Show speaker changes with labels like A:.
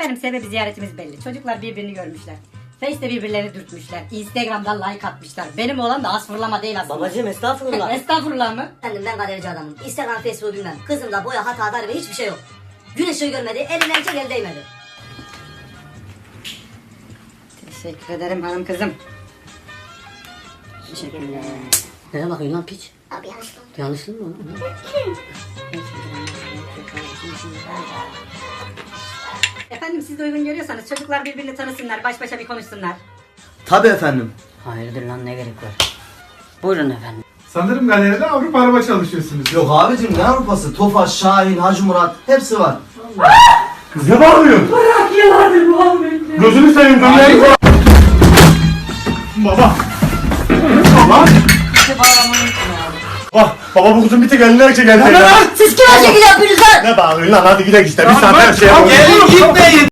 A: Efendim sebebi ziyaretimiz belli. Çocuklar birbirini görmüşler. Face'te birbirlerini dürtmüşler. Instagram'dan like atmışlar. Benim oğlan da az fırlama değil aslında.
B: Babacığım estağfurullah.
A: Estağfurullah mı?
B: Efendim ben galerici adamım. Instagram, Facebook bilmem. Kızımda boya, hata, darbe hiçbir şey yok. Gün ışığı görmedi, eline erkek el değmedi.
A: Teşekkür ederim hanım kızım.
B: Teşekkürler. Nereye bakıyorsun lan piç?
C: Abi yanlışlıkla oldu.
B: Yanlışlı mı?
A: Efendim siz de uygun görüyorsanız çocuklar birbirini tanısınlar, baş başa bir konuşsunlar.
D: Tabii efendim.
B: Hayırdır lan ne gerek var? Buyurun efendim.
E: Sanırım galeride Avrupa araba çalışıyorsunuz.
D: Yok abicim ne Avrupası? Tofaş, Şahin, Hacı Murat hepsi var.
E: Kız ne bağırıyorsun? Bırak yılandır Muhammed. Gözünü seveyim dönmeyin. Baba. Baba. Bak baba bu kızın bir tek eline erkek geldi.
B: Siz kime şekil yapıyorsunuz lan?
E: Ne bağırıyorsun lan hadi gidelim işte bir saat her şeye.
F: Gelin gitmeyin.